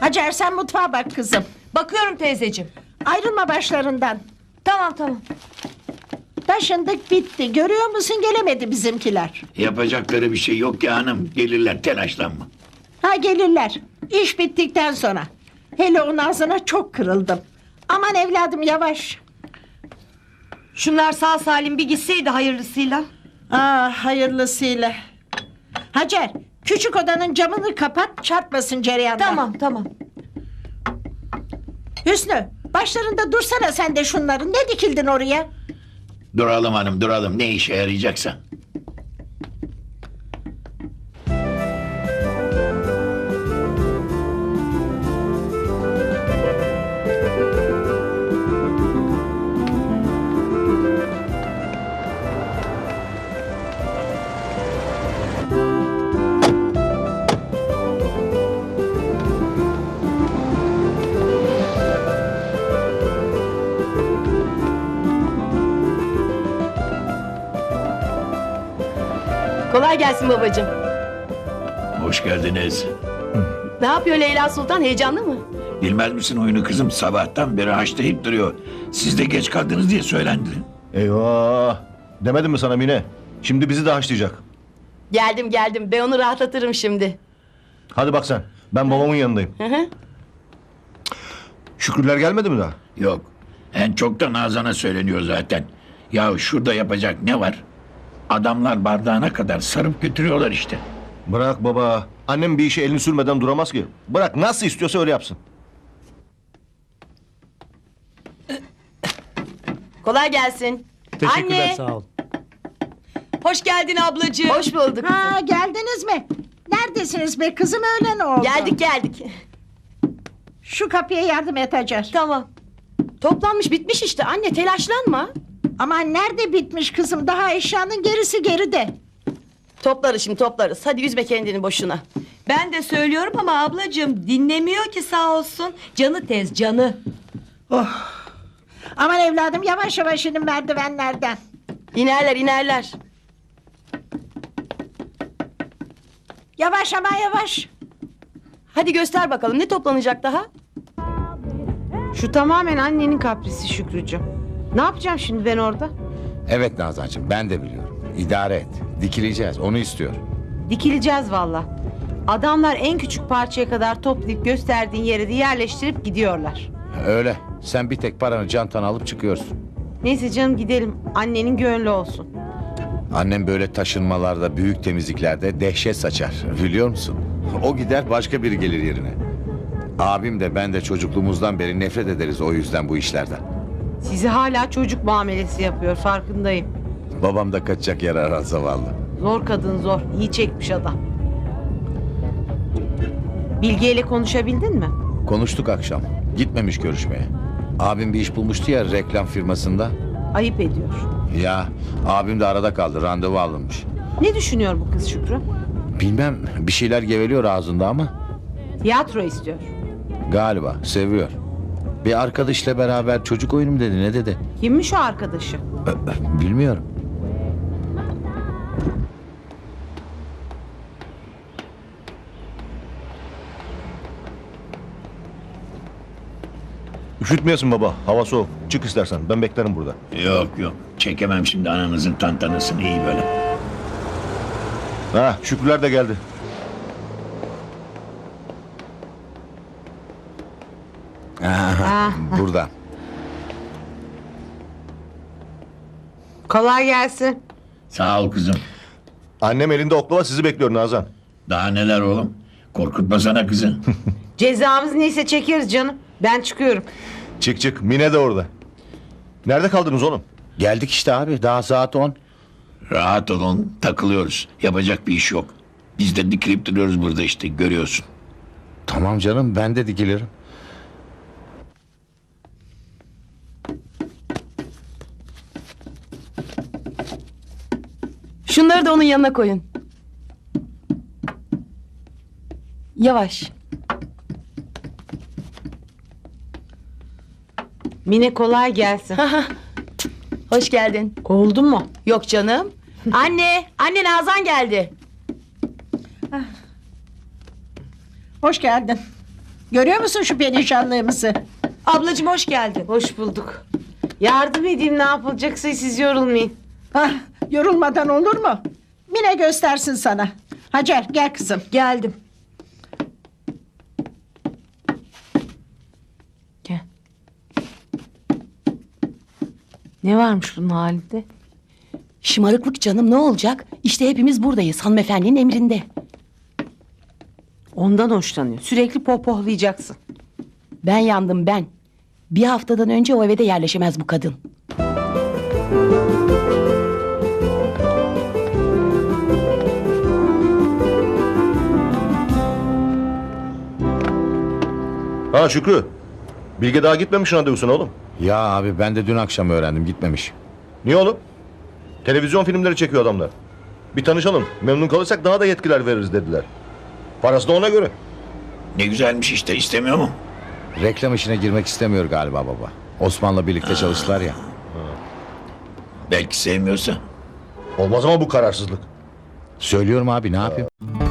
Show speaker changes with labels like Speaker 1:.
Speaker 1: Hacer sen mutfağa bak kızım.
Speaker 2: Bakıyorum teyzeciğim.
Speaker 1: Ayrılma başlarından.
Speaker 2: Tamam.
Speaker 1: Taşındık bitti. Görüyor musun gelemedi bizimkiler.
Speaker 3: Yapacakları bir şey yok ya hanım. Gelirler, telaşlanma.
Speaker 1: Ha gelirler. İş bittikten sonra. Hele onun ağzına çok kırıldım. Aman evladım yavaş.
Speaker 2: Şunlar sağ salim bir gitseydi hayırlısıyla.
Speaker 1: Hayırlısıyla. Hacer küçük odanın camını kapat çarpmasın cereyandan.
Speaker 2: Tamam.
Speaker 1: Hüsnü başlarında dursana sen de şunların. Ne dikildin oraya?
Speaker 3: Duralım hanım, duralım. Ne işe yarayacaksa.
Speaker 4: Kolay gelsin babacığım.
Speaker 3: Hoş geldiniz.
Speaker 4: Ne yapıyor Leyla Sultan, heyecanlı mı?
Speaker 3: Bilmez misin oyunu kızım? Sabahtan beri haşlayıp duruyor. Siz de geç kaldınız diye söylendi.
Speaker 5: Eyvah! Demedim mi sana Mine? Şimdi bizi de haşlayacak.
Speaker 4: Geldim, ben onu rahatlatırım şimdi.
Speaker 5: Hadi bak sen, ben babamın yanındayım.
Speaker 4: Hı.
Speaker 5: Şükrüler gelmedi mi daha?
Speaker 3: Yok. En çok da Nazan'a söyleniyor zaten. Ya şurada yapacak ne var? Adamlar bardağına kadar sarıp götürüyorlar işte.
Speaker 5: Bırak baba, annem bir işe elini sürmeden duramaz ki. Bırak, nasıl istiyorsa öyle yapsın.
Speaker 4: Kolay gelsin.
Speaker 6: Teşekkürler,
Speaker 2: Anne.
Speaker 6: sağ ol.
Speaker 2: Hoş geldin ablacığım.
Speaker 4: Hoş bulduk.
Speaker 1: Ha geldiniz mi? Neredesiniz be kızım öyle ne oldu?
Speaker 4: Geldik.
Speaker 1: Şu kapıya yardım et Hacer.
Speaker 4: Tamam. Toplanmış bitmiş işte anne, telaşlanma.
Speaker 1: Aman nerede bitmiş kızım? Daha eşyanın gerisi geride.
Speaker 4: Toplarız şimdi, toplarız. Hadi üzme kendini boşuna.
Speaker 2: Ben de söylüyorum ama ablacığım dinlemiyor ki sağ olsun. Canı tez canı.
Speaker 1: Aman evladım yavaş yavaş inin merdivenlerden.
Speaker 4: İnerler.
Speaker 1: Yavaş ama yavaş.
Speaker 4: Hadi göster bakalım, ne toplanacak daha?
Speaker 7: Şu tamamen annenin kaprisi Şükrücüğüm. Ne yapacağım şimdi ben orada?
Speaker 8: Evet Nazancığım, ben de biliyorum. İdare et. Dikileceğiz, onu istiyor.
Speaker 7: Dikileceğiz valla. Adamlar en küçük parçaya kadar toplayıp gösterdiğin yere de yerleştirip gidiyorlar.
Speaker 8: Öyle. Sen bir tek paranı çantana alıp çıkıyorsun.
Speaker 7: Neyse canım gidelim. Annenin gönlü olsun.
Speaker 8: Annem böyle taşınmalarda, büyük temizliklerde dehşet saçar. Biliyor musun? O gider, başka biri gelir yerine. Abim de ben de çocukluğumuzdan beri nefret ederiz o yüzden bu işlerden.
Speaker 7: Sizi hala çocuk muamelesi yapıyor, farkındayım.
Speaker 8: Babam da kaçacak yer arar zavallı.
Speaker 7: Zor kadın zor. İyi çekmiş adam. Bilge ile konuşabildin mi?
Speaker 8: Konuştuk akşam. Gitmemiş görüşmeye. Abim bir iş bulmuştu ya reklam firmasında.
Speaker 7: Ayıp ediyor.
Speaker 8: Ya abim de arada kaldı, randevu alınmış.
Speaker 7: Ne düşünüyor bu kız Şükrü?
Speaker 8: Bilmem, bir şeyler geveliyor ağzında ama
Speaker 7: Tiyatro istiyor.
Speaker 8: galiba seviyor. Bir arkadaşla beraber çocuk oyunu mu dedi, ne dedi?
Speaker 7: Kimmiş o arkadaşı?
Speaker 8: Bilmiyorum.
Speaker 5: Üşütmeyesin baba, hava soğuk. Çık istersen, ben beklerim burada.
Speaker 3: Yok. Çekemem şimdi ananızın tantanasını iyi böyle.
Speaker 5: Ha, Şükrüler de geldi.
Speaker 8: Burada.
Speaker 7: Kolay gelsin.
Speaker 3: Sağ ol kızım.
Speaker 5: Annem elinde oklava sizi bekliyor Nazan.
Speaker 3: Daha neler oğlum? Korkutmasana kızı.
Speaker 7: Cezamız neyse çekeriz canım. Ben çıkıyorum.
Speaker 5: Çık, Mine de orada. Nerede kaldınız oğlum?
Speaker 8: Geldik işte abi, daha saat 10.
Speaker 3: Rahat olun, takılıyoruz. Yapacak bir iş yok. Biz de dikilip duruyoruz burada işte, görüyorsun.
Speaker 8: Tamam canım, ben de dikilirim.
Speaker 4: Şunları da onun yanına koyun. Yavaş.
Speaker 7: Mine kolay gelsin.
Speaker 4: Hoş geldin.
Speaker 7: Kovuldun mu?
Speaker 4: Yok canım. Anne Nazan geldi.
Speaker 1: Hoş geldin. Görüyor musun şu perişanlığımızı?
Speaker 2: Ablacığım hoş geldin.
Speaker 7: Hoş bulduk. Yardım edeyim ne yapılacaksa siz yorulmayın.
Speaker 1: Ah, yorulmadan olur mu? Mine göstersin sana. Hacer gel kızım.
Speaker 2: Geldim.
Speaker 7: Gel. Ne varmış bunun halinde?
Speaker 4: Şımarıklık canım ne olacak? İşte hepimiz buradayız hanımefendinin emrinde.
Speaker 7: Ondan hoşlanıyor. Sürekli pohpohlayacaksın.
Speaker 4: Ben yandım ben. Bir haftadan önce o eve de yerleşemez bu kadın.
Speaker 5: Ha Şükrü. Bilge daha gitmemiş randevusuna oğlum.
Speaker 8: Ya abi ben de dün akşam öğrendim gitmemiş.
Speaker 5: Niye oğlum? Televizyon filmleri çekiyor adamlar. Bir tanışalım. Memnun kalırsak daha da yetkiler veririz dediler. Parası da ona göre.
Speaker 3: Ne güzelmiş işte, istemiyor mu?
Speaker 8: Reklam işine girmek istemiyor galiba baba. Osman'la birlikte çalıştılar ya.
Speaker 3: Belki sevmiyorsa.
Speaker 5: Olmaz ama bu kararsızlık.
Speaker 8: Söylüyorum abi ne yapayım?